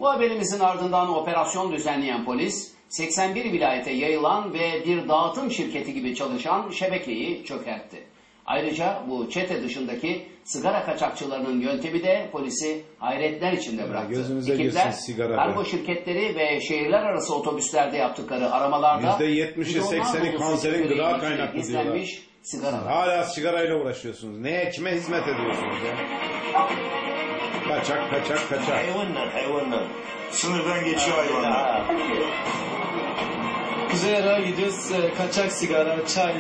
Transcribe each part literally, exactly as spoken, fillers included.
Bu haberimizin ardından operasyon düzenleyen polis, seksen bir vilayete yayılan ve bir dağıtım şirketi gibi çalışan şebekeyi çökertti. Ayrıca bu çete dışındaki sigara kaçakçılarının yöntemi de polisi hayretler içinde bıraktı. Gözünüze Ekipler, girsin sigara kargo be. şirketleri ve şehirler arası otobüslerde yaptıkları aramalarda yüzde yetmişi sekseni kanserin gıda kaynaklı diyorlar. Sigara. Hala sigarayla uğraşıyorsunuz. Neye, kime hizmet ediyorsunuz ya? Kaçak, kaçak, kaçak. Hayvanlar, hayvanlar. Sınırdan geçiyor hayvanlar. Kuzey Irak'a gidiyoruz, kaçak sigara, çay.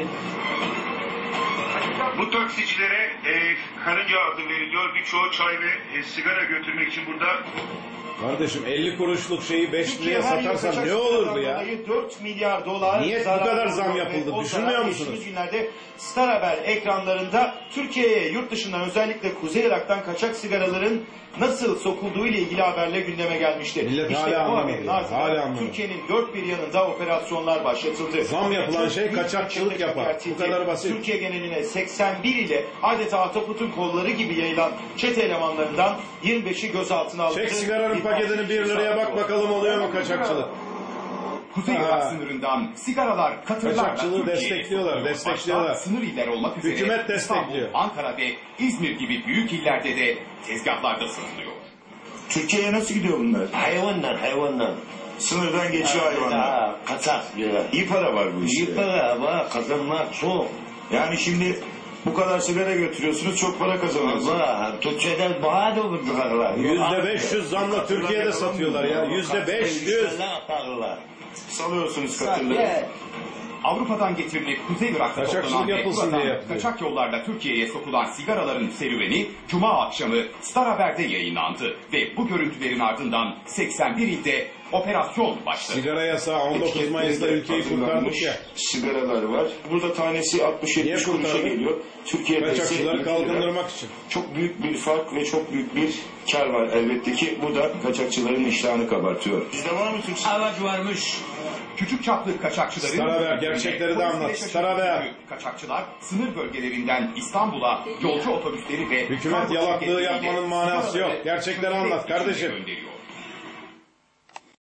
Bu taksicilere e, karınca adı veriliyor. Birçoğu çay ve e, sigara götürmek için burada. Kardeşim elli kuruşluk şeyi beş liraya satarsan ne olurdu ya? dört milyar dolar. Niye bu kadar zam yapıldı? Düşünmüyor musunuz? Geçtiğimiz günlerde Star Haber ekranlarında Türkiye'ye yurt dışından özellikle Kuzey Irak'tan kaçak sigaraların nasıl sokulduğu ile ilgili haberle gündeme gelmişti. Millet işte hala bu anlamadı. haberin ardından Hala anlamadı. Türkiye'nin dört bir yanında operasyonlar başlatıldı. Zam yapılan Çok şey büyük kaçakçılık ölçüde yapar. çökertildi. Bu kadar basit. Türkiye geneline seksen bir ile adeta Atatürk'ün kolları gibi yayılan çete elemanlarından yirmi beşi gözaltına alındı. Çek sigaranın paketini bir liraya bak bakalım oluyor mu kaçakçılık? Kuzey Irak sınırından sigaralar katırlarla Kaçakçılığı destekliyorlar, destekliyorlar. Başta sınır iller olmak üzere Hükümet destekliyor. İstanbul, Ankara ve İzmir gibi büyük illerde de tezgahlarda satılıyor. Türkiye'ye nasıl gidiyor bunlar? Hayvanlar, hayvanlar. Sınırdan geçiyor hayvanlar. Ha, kaçak diyorlar. İyi para var bu işte. İyi para var, kazanmak çok. Yani şimdi bu kadar sigara götürüyorsunuz, çok para kazanıyorsunuz. Var, Türkçeden daha da vurdularlar. Yüzde beş yüz zamla Türkiye'de satıyorlar ya. Yüzde beş yüz. Salıyorsunuz katırları. Avrupa'dan getirilip Kuzey Irak'ta Kaçakçılık toplanan ve yapılsın buradan diye yapılıyor. kaçak yollarla Türkiye'ye sokulan sigaraların serüveni Cuma akşamı Star Haber'de yayınlandı ve bu görüntülerin ardından seksen bir ilde operasyon başladı. Sigara yasağı on dokuz Mayıs'ta ülkeyi kurtardık ya. Sigaralar var. Burada tanesi altmış yetmiş kuruşa kurtardı? geliyor. Türkiye'de Kaçakçıları ise kalkındırmak için. çok büyük bir fark ve çok büyük bir kar var elbette ki. Bu da kaçakçıların iştahını kabartıyor. Bizde var mı Türk? Evet varmış. Küçük çaplı kaçakçıların... Star Haber, gerçekleri de anlat. Star Haber. Kaçakçılar sınır bölgelerinden İstanbul'a yolcu otobüsleri ve... Hükümet kargo yalaklığı şirketleriyle yapmanın manası yok. sigaraları Gerçekleri Türkiye anlat kardeşim. gönderiyor.